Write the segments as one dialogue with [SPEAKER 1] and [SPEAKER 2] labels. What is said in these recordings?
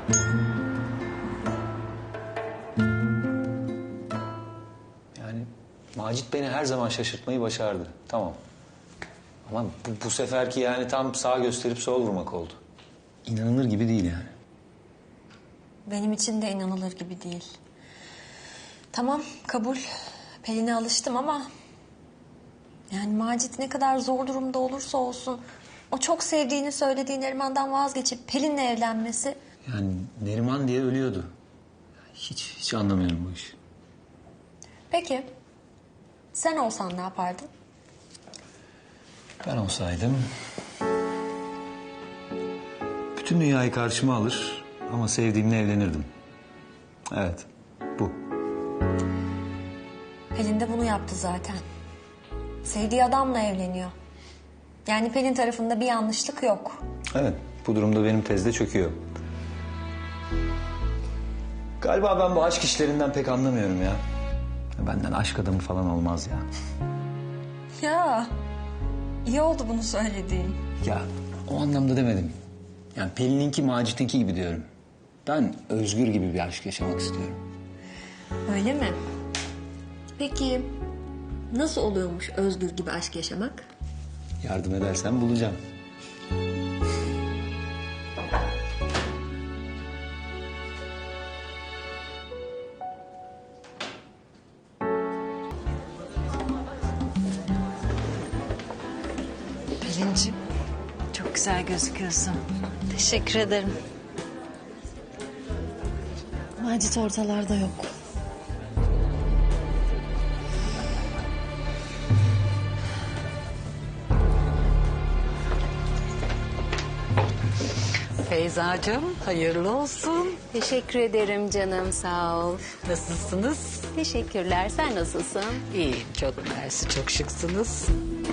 [SPEAKER 1] Yani Macit beni her zaman şaşırtmayı başardı. Tamam. Ama bu seferki yani tam sağ gösterip sol vurmak oldu. İnanılır gibi değil yani.
[SPEAKER 2] Benim için de inanılır gibi değil. Tamam, kabul. Pelin'e alıştım ama... Yani Macit ne kadar zor durumda olursa olsun... O çok sevdiğini söylediği Neriman'dan vazgeçip Pelin'le evlenmesi...
[SPEAKER 1] Yani Neriman diye ölüyordu. Hiç anlamıyorum bu işi.
[SPEAKER 2] Peki, sen olsan ne yapardın?
[SPEAKER 1] Ben olsaydım... Bütün dünyayı karşıma alır ama sevdiğimle evlenirdim. Evet, bu.
[SPEAKER 2] Pelin de bunu yaptı zaten. Sevdiği adamla evleniyor. Yani Pelin tarafında bir yanlışlık yok.
[SPEAKER 1] Evet, bu durumda benim tez de çöküyor. Galiba ben bu aşk işlerinden pek anlamıyorum ya. Benden aşk adamı falan olmaz ya.
[SPEAKER 2] Ya, iyi oldu bunu söylediğin.
[SPEAKER 1] Ya, o anlamda demedim. Yani Pelin'inki Macit'inki gibi diyorum. Ben özgür gibi bir aşk yaşamak istiyorum.
[SPEAKER 2] Öyle mi? Peki, nasıl oluyormuş özgür gibi aşk yaşamak?
[SPEAKER 1] Yardım edersen bulacağım.
[SPEAKER 3] Pelinciğim, çok güzel gözüküyorsun.
[SPEAKER 2] Teşekkür ederim.
[SPEAKER 3] Macit ortalarda yok. Feyzacığım, hayırlı olsun.
[SPEAKER 4] Teşekkür ederim canım, sağ ol.
[SPEAKER 3] Nasılsınız?
[SPEAKER 4] Teşekkürler, sen nasılsın?
[SPEAKER 3] İyiyim, çok mersi, çok şıksınız.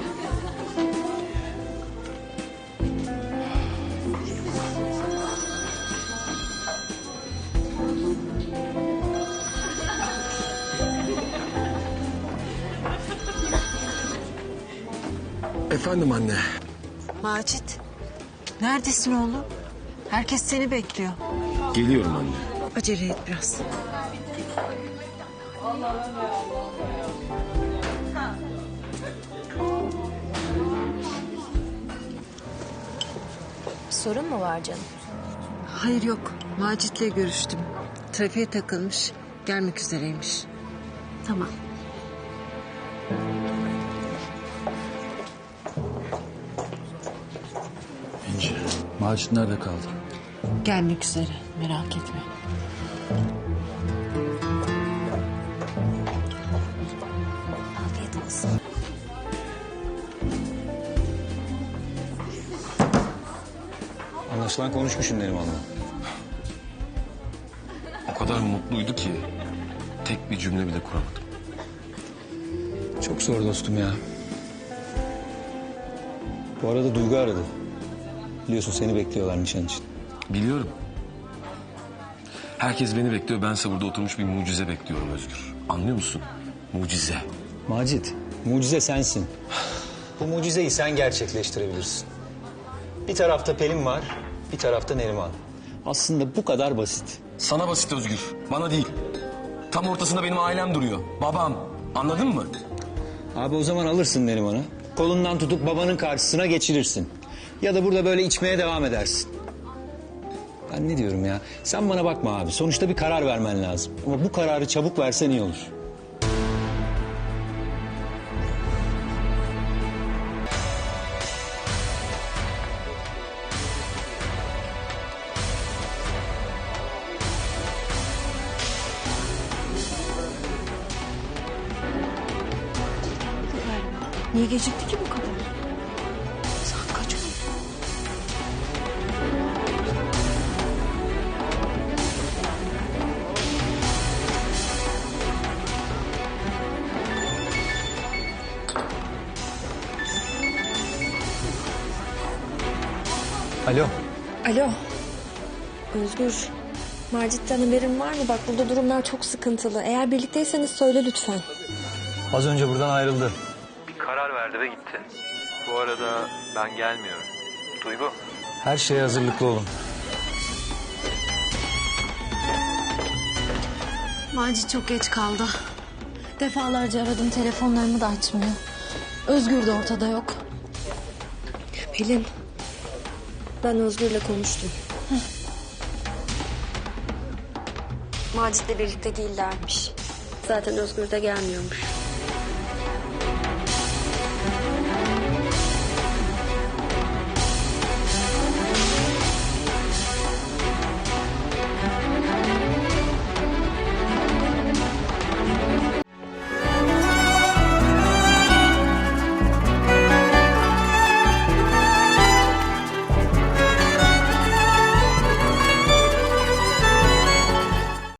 [SPEAKER 5] Efendim anne.
[SPEAKER 3] Macit, neredesin oğlum? Herkes seni bekliyor.
[SPEAKER 5] Geliyorum anne.
[SPEAKER 3] Acele et biraz.
[SPEAKER 4] Bir sorun mu var canım?
[SPEAKER 3] Hayır yok, Macit'le görüştüm. Trafiğe takılmış, gelmek üzereymiş.
[SPEAKER 4] Tamam.
[SPEAKER 5] İnci. Macit nerede kaldı?
[SPEAKER 3] Gelmek üzere, merak etme.
[SPEAKER 4] Afiyet olsun.
[SPEAKER 1] Anlaşılan konuşmuşsun Neriman'la.
[SPEAKER 5] O kadar mutluydu ki tek bir cümle bile kuramadım.
[SPEAKER 1] Çok zor dostum ya. Bu arada Duygu aradı. Biliyorsun seni bekliyorlar nişan için.
[SPEAKER 5] Biliyorum. Herkes beni bekliyor. Bense burada oturmuş bir mucize bekliyorum Özgür. Anlıyor musun? Mucize.
[SPEAKER 1] Macit, mucize sensin. Bu mucizeyi sen gerçekleştirebilirsin. Bir tarafta Pelin var, bir tarafta Neriman. Aslında bu kadar basit.
[SPEAKER 5] Sana basit Özgür. Bana değil. Tam ortasında benim ailem duruyor. Babam. Anladın mı?
[SPEAKER 1] Abi o zaman alırsın Neriman'ı. Kolundan tutup babanın karşısına geçirirsin. Ya da burada böyle içmeye devam edersin. Ben ne diyorum ya? Sen bana bakma abi. Sonuçta bir karar vermen lazım. Ama bu kararı çabuk versen iyi olur.
[SPEAKER 3] Niye gecikti ki bu kadar? Saat kaç oldu?
[SPEAKER 1] Alo.
[SPEAKER 2] Alo. Özgür, Macit'ten haberin var mı? Bak burada durumlar çok sıkıntılı. Eğer birlikteyseniz söyle lütfen.
[SPEAKER 1] Az önce buradan ayrıldı.
[SPEAKER 6] Bir karar verdi ve gitti. Bu arada ben gelmiyorum. Duygu.
[SPEAKER 1] Her şeye hazırlıklı olun.
[SPEAKER 2] Macit çok geç kaldı. Defalarca aradım, telefonlarımı da açmıyor. Özgür de ortada yok.
[SPEAKER 7] Pelin, ben Özgür'le konuştum. Macit'le birlikte değillermiş. Zaten Özgür de gelmiyormuş.